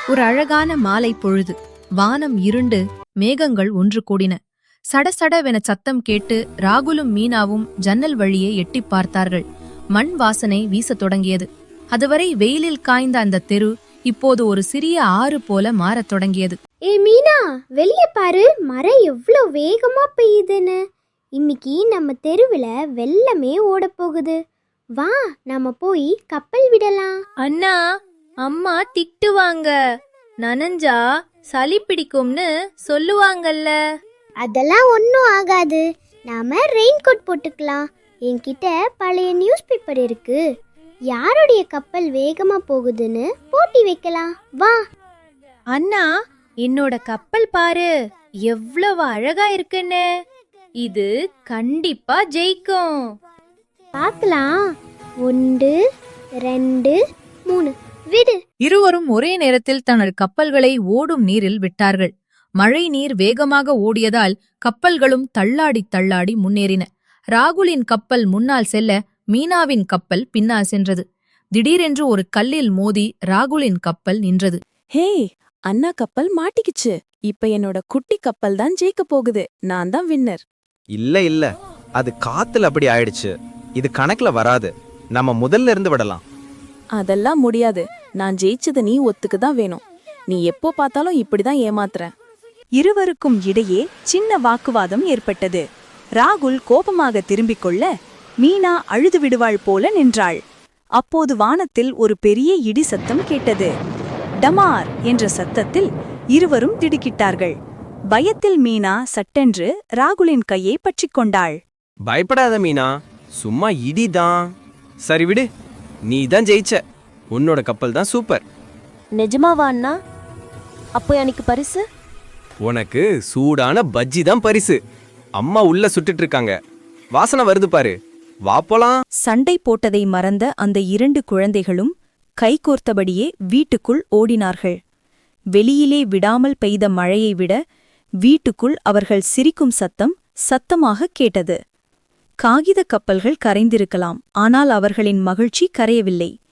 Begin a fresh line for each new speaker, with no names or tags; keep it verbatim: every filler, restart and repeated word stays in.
ஒரு அழகான மாலை பொழுது. வானம் இருண்டு, மேகங்கள் ஒன்று கூடின. சடசடவென சத்தம் கேட்டு ராகுலும் மீனாவும் ஜன்னல் வழியே எட்டிப் பார்த்தார்கள். மண் வாசனை வீசத் தொடங்கியது. அதுவரை வெயிலில் காய்ந்த அந்த தெரு இப்போது ஒரு சிறிய ஆறு போல மாறத் தொடங்கியது.
ஏ மீனா, வெளிய பாரு, மழை எவ்வளோ வேகமா பெய்யுதுன்னு. இன்னைக்கு நம்ம தெருவில் வெள்ளமே ஓட போகுது. வா, நாம போய் கப்பல் விடலாம்.
அண்ணா, அம்மா திட்டுவாங்க. நனஞ்சா சளி பிடிக்கும்னு சொல்லுவாங்கல்ல.
அதெல்லாம் ஒன்றும் ஆகாது. நாம ரெயின் கோட் போட்டுக்கலாம். என்கிட்ட பழைய நியூஸ் பேப்பர் இருக்கு. யாருடைய கப்பல் வேகமா போகுதுன்னு போட்டி வைக்கலாம். வா
அண்ணா, என்னோட கப்பல் பாரு, எவ்வளவு அழகா இருக்குன்னு. இது கண்டிப்பா ஜெயிக்கும்.
பார்க்கலாம். ஒன்று, ரெண்டு, மூணு, விடு.
இருவரும் ஒரே நேரத்தில் தனது கப்பல்களை ஓடும் நீரில் விட்டார்கள். மழை நீர் வேகமாக ஓடியதால் கப்பல்களும் தள்ளாடி தள்ளாடி முன்னேறின. ராகுலின் கப்பல் முன்னால் செல்ல, மீனாவின் கப்பல் பின்னால் சென்றது. திடீரென்று ஒரு கல்லில் மோதி ராகுலின் கப்பல் நின்றது.
ஹே, அண்ணா கப்பல் மாட்டிக்கிச்சு. இப்ப என்னோட குட்டி கப்பல் தான் ஜெயிக்க போகுது. நான் தான் வின்னர்.
இல்ல இல்ல, அது காத்துல அப்படி ஆயிடுச்சு. இது கணக்குல வராது. நம்ம முதல்ல இருந்து விடலாம்.
அதெல்லாம் முடியாது. நான் ஜெயிச்சது நீ ஒத்துக்கு தான் வேணும். நீ எப்போ பார்த்தாலும் இப்படிதான் ஏமாத்துற.
இருவருக்கும் இடையே சின்ன வாக்குவாதம் ஏற்பட்டது. ராகுல் கோபமாக திரும்பிக் கொள்ள, மீனா அழுது விடுவாள் போல நின்றாள். அப்போது வானத்தில் ஒரு பெரிய இடி சத்தம் கேட்டது. டமார் என்ற சத்தத்தில் இருவரும் திடுக்கிட்டார்கள். பயத்தில் மீனா சட்டென்று ராகுலின் கையை பற்றிக் கொண்டாள்.
பயப்படாத மீனா, சும்மா இடிதான். சரி விடு, நீ தான் ஜெயிச்ச. உன்னோட கப்பல் தான் சூப்பர்.
நிஜமாவா அண்ணா? அப்போ எனக்கு பரிசு?
உனக்கு சூடான பஜ்ஜி தான் பரிசு. அம்மா உள்ள சுட்டுட்டு இருக்காங்க. வாசனை வருது பாரு. வா போலாம்.
சண்டை போட்டதை மறந்த அந்த இரண்டு குழந்தைகளும் கைகோர்த்தபடியே வீட்டுக்குள் ஓடினார்கள். வெளியிலே விடாமல் பெய்த மழையை விட வீட்டுக்குள் அவர்கள் சிரிக்கும் சத்தம் சத்தமாக கேட்டது. காகித கப்பல்கள் கரைந்திருக்கலாம், ஆனால் அவர்களின் மகிழ்ச்சி கரையவில்லை.